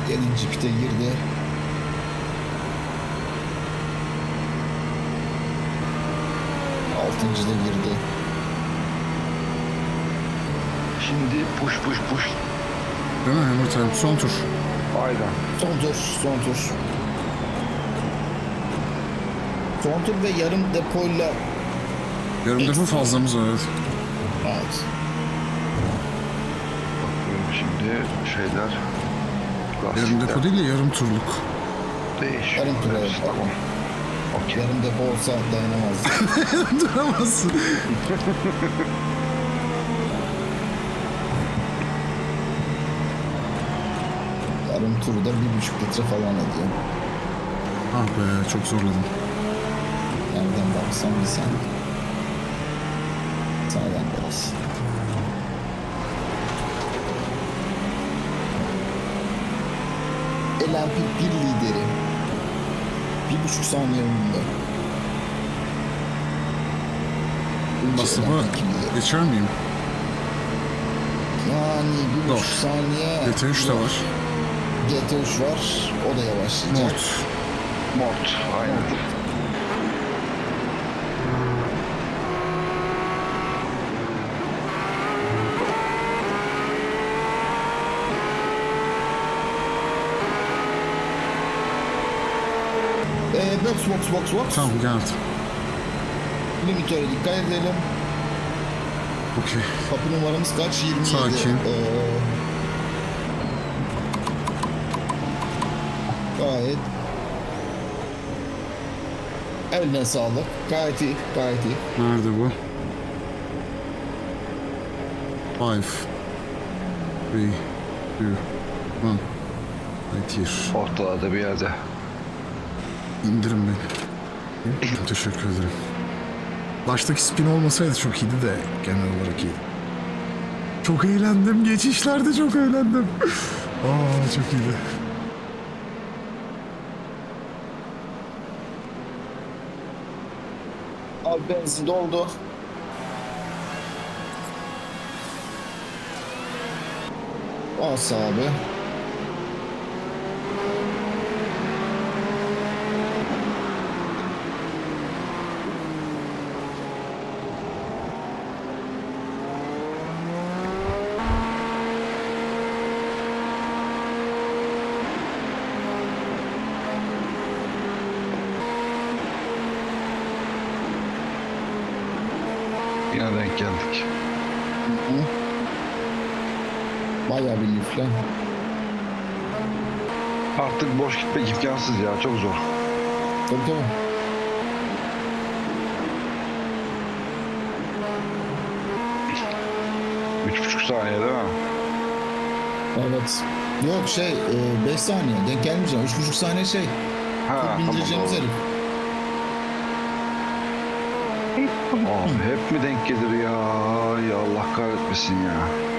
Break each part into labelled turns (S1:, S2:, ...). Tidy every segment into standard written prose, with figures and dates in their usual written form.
S1: 7. pite girdi. Altıncı da girdi.
S2: Şimdi push.
S3: Değil mi Hammer son tur.
S2: Aynen.
S1: Son tur. Son tur ve yarım depoyla.
S3: Yarım defa fazlamız var, evet.
S1: Evet.
S2: Bakıyorum şimdi şeyler.
S3: Yarım depo değil de yarım turluk.
S2: Değişiyor.
S1: Yarım tur, evet.
S2: Tamam. Okey.
S1: Yarım depo olsa dayanamazdı.
S3: Duramazsın.
S1: Yarım turu da 1,5 litre falan ediyor.
S3: Ah be, çok zorladım.
S1: Nereden baksam bir saniye. Sağdan biraz. LMP1 lideri. 1,5 saniye önünde.
S3: Basıma geçer miyim?
S1: Yani 1,5
S3: Yok.
S1: saniye.
S3: GT3 de var.
S1: GT3 var. O da yavaşlayacak.
S2: Mort. Aynen.
S1: Box.
S3: Tamam, geldim.
S1: Limitöre dikkat edelim.
S3: Okey.
S1: Kapı numaramız kaç? 27.
S3: Sakin.
S1: Gayet. Eline sağlık. Gayet iyi.
S3: Nerede bu? 5 3 2 1 Right here.
S2: Ortalarda bir yerde.
S3: İndirin beni. Teşekkür ederim. Baştaki spin olmasaydı çok iyiydi de genel olarak iyiydi. Çok eğlendim. Geçişlerde çok eğlendim. Aa, çok iyiydi.
S1: Abi benzin doldu. Bas abi.
S2: Yine denk geldik.
S1: Bayağı bir lifle.
S2: Artık boş gitmek imkansız ya. Çok zor.
S1: Tabii.
S2: 3,5 saniye değil mi?
S1: Evet. Yok 5 saniye. Denk gelmeyeceğim. 3,5 saniye
S2: Ha,
S1: bindireceğimiz
S2: tamam.
S1: herif.
S2: Abi hep mi denk gelir ya? Ya Allah kahretmesin ya.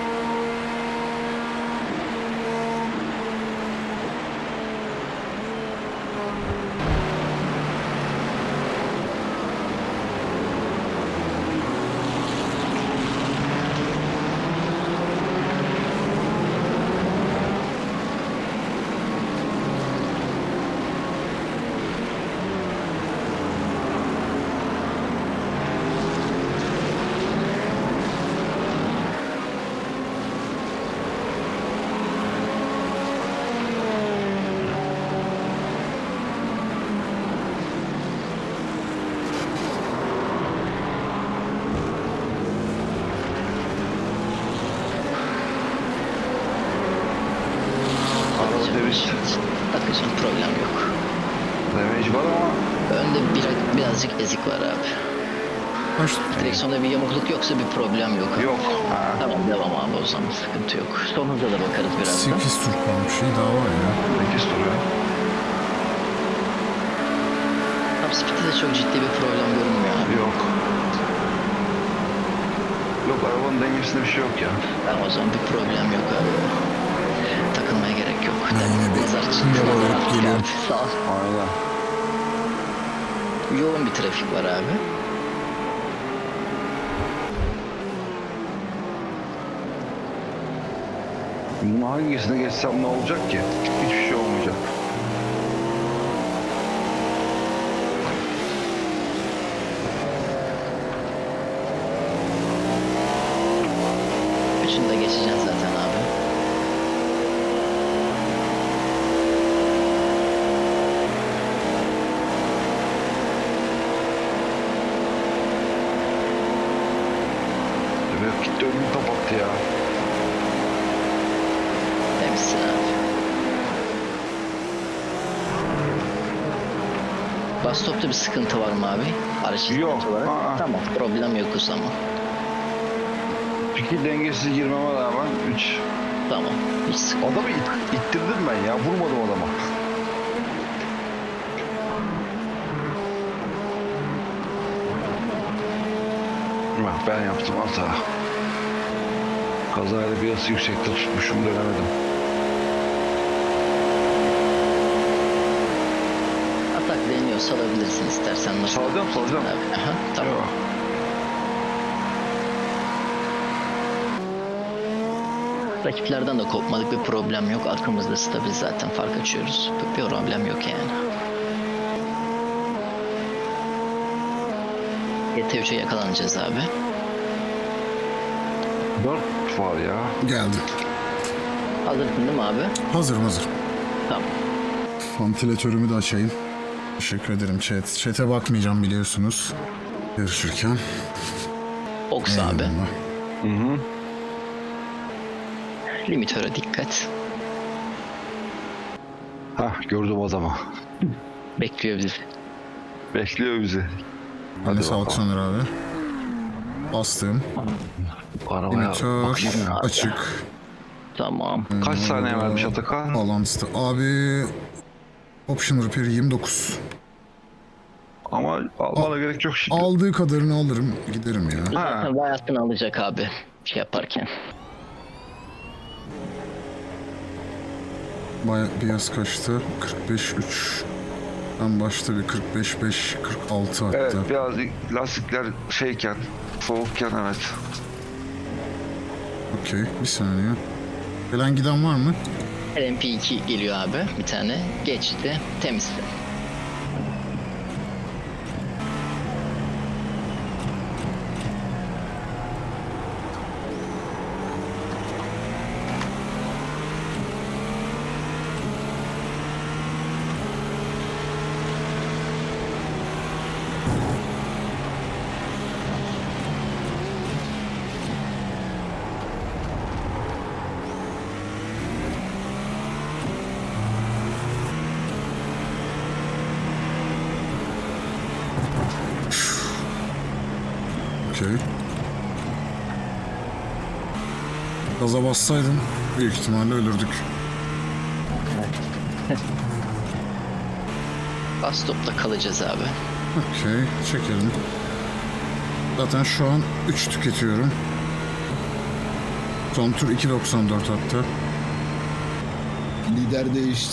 S4: Bakacağım, problem yok.
S2: Damage var ama
S4: Önde birazcık ezik var abi.
S3: Baş...
S4: Direksiyonda bir yamukluk yoksa bir problem yok.
S2: yok. Ha.
S4: Tamam, devam abi, o zaman sıkıntı yok. Son hıza da bakarız birazdan.
S3: 8 tur kalmış. Şey daha var ya.
S2: 8 duruyor.
S4: Top speed'de de çok ciddi bir problem görünmüyor abi.
S2: Yok. Yok, arabanın dengesinde bir şey yok ya.
S4: Tamam, o zaman bir problem yok abi. Takılmaya gerek yok.
S3: Ben yine bir
S4: Nazar
S3: yol alıp geliyorum.
S4: Sağ ol.
S2: Aynen.
S4: Yoğun bir trafik var abi.
S2: Bunun hangisine geçsem ne olacak ki? Hiçbir şey
S4: Burada geçeceksin zaten abi.
S2: Evet, gitti önümü kapattı ya.
S4: Temizsin abi. Bas stopta bir sıkıntı var mı abi? Araç
S2: Yok,
S4: sıkıntı olarak.
S2: aa.
S4: Tamam, problem yok o zaman.
S2: Fikir dengesiz girmeme rağmen 3.
S4: Tamam, hiç sıkıntı.
S2: Adamı ittirdim ben ya. Vurmadım adama. Bak ben yaptım hata. Kazayla biraz yüksekte tutmuşum, dönemedim.
S4: Atak deniyor, salabilirsin istersen. Nasıl?
S2: Salacağım.
S4: Abi. Aha, tamam.
S2: Yok.
S4: Rakiplerden de kopmadık, bir problem yok. Arkamızda stabil zaten, fark açıyoruz. Bir problem yok yani. GT3'e yakalanacağız abi.
S2: 4 var ya.
S3: Geldim.
S4: Hazırsın değil mi abi?
S3: Hazırım hazır.
S4: Tamam.
S3: Vantilatörümü de açayım. Teşekkür ederim chat. Chat'e bakmayacağım biliyorsunuz. Yarışırken.
S4: Oks abi.
S3: Eyvallah.
S4: Limitöre dikkat.
S2: Hah, gördüm adamı.
S4: Bekliyor bizi.
S2: Bekliyor bizi.
S3: Hadi sağlık Soner abi. Bastım.
S2: Arabaya
S3: Limitör
S2: bakayım ya.
S3: açık.
S4: Tamam.
S2: Kaç saniye vermiş Atakan?
S3: Bağlantısı. Abi Option Repair 29.
S2: Ama almana gerek yok şimdi.
S3: Aldığı kadarını alırım. Giderim ya.
S4: Zaten bayasını alacak abi şey yaparken.
S3: Beyaz kaçtı? 45.3. Ben başta bir 45.5, 46 hatta.
S2: Evet, biraz lastikler şeyken, soğukken evet.
S3: Okey, bir saniye. Gelen giden var mı?
S4: LMP2 geliyor abi bir tane. Geçti. Temizdi.
S3: Okey. Gaza bassaydım büyük ihtimalle ölürdük.
S4: Bas stopta kalacağız abi.
S3: Okey, çekelim. Zaten şu an 3 tüketiyorum. Son tur 2.94 hatta.
S1: Lider değişti.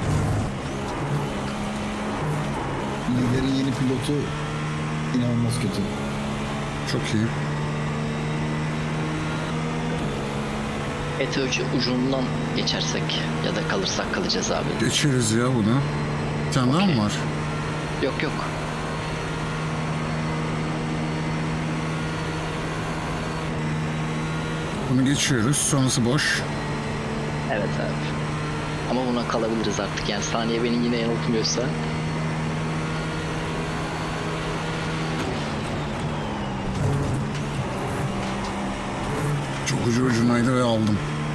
S1: Liderin yeni pilotu inanılmaz kötü.
S3: Çok iyi.
S4: GT3 ucundan geçersek ya da kalırsak kalacağız abi.
S3: Geçeriz ya bunu. Bir tane daha mı var?
S4: Yok yok.
S3: Bunu geçiyoruz. Sonrası boş.
S4: Evet abi. Ama buna kalabiliriz artık yani saniye beni yine yanıltmıyorsa.
S3: Çok ucunaydı ve aldım.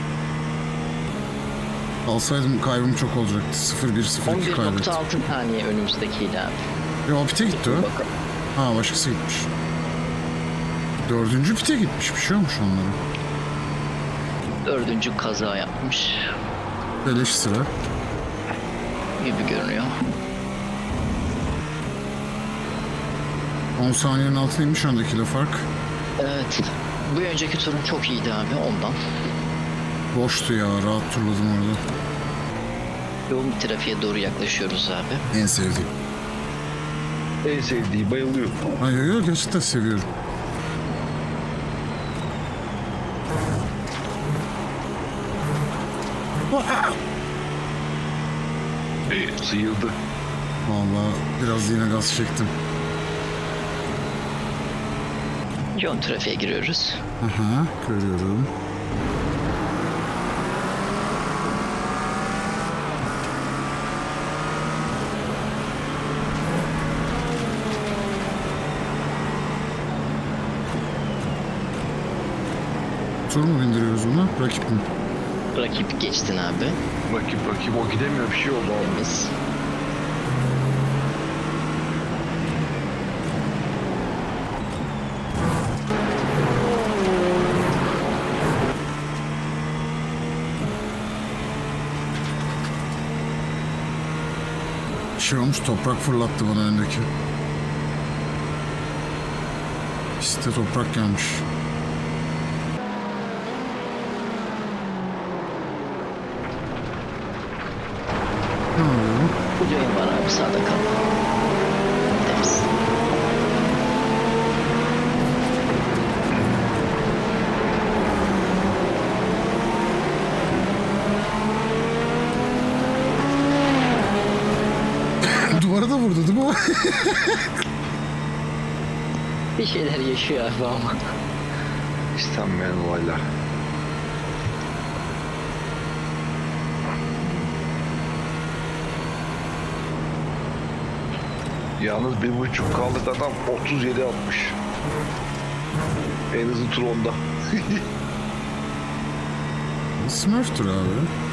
S3: Alsaydım kaybım çok olacaktı. 0-1-0-2 kaybettim.
S4: 11.6 saniye önümüzdekiyle abi.
S3: Ya pite gitti o.
S4: Bakalım.
S3: Ha başkası gitmiş. 4. pite gitmiş. Bir şey olmuş onlara.
S4: 4. kaza yapmış
S3: Beleş sıra.
S4: gibi görünüyor.
S3: 10 saniyenin altındaymış öndekiyle fark.
S4: Evet. Bu önceki turun çok iyiydi abi ondan.
S3: Boştu ya. Rahat turladım orada.
S4: Yoğun bir trafiğe doğru yaklaşıyoruz abi.
S3: En sevdiğim.
S2: En sevdiği, bayılıyor.
S3: Hayır yok gerçekten seviyorum.
S2: Sıyıldı.
S3: Vallahi biraz yine gaz çektim.
S4: Yoğun trafiğe giriyoruz.
S3: Aha görüyorum. Motor mu bindiriyoruz buna? Rakip mi?
S4: Rakip geçtin abi.
S2: Rakip o gidemiyor, bir şey oldu abi.
S4: Biz.
S3: Şey olmuş, toprak fırlattı bana öndeki. Piste toprak gelmiş. Ne yapıyor?
S4: Bu yayın var abi, sağda kal. Temiz.
S3: Duvara da vurdu değil mi o?
S4: Bir şeyler yaşıyor abi ama.
S2: İstenmeyen olaylar. Yalnız 1.5 kaldık, adam 37 atmış. En hızlı tur onda.
S3: Smurf'tur abi.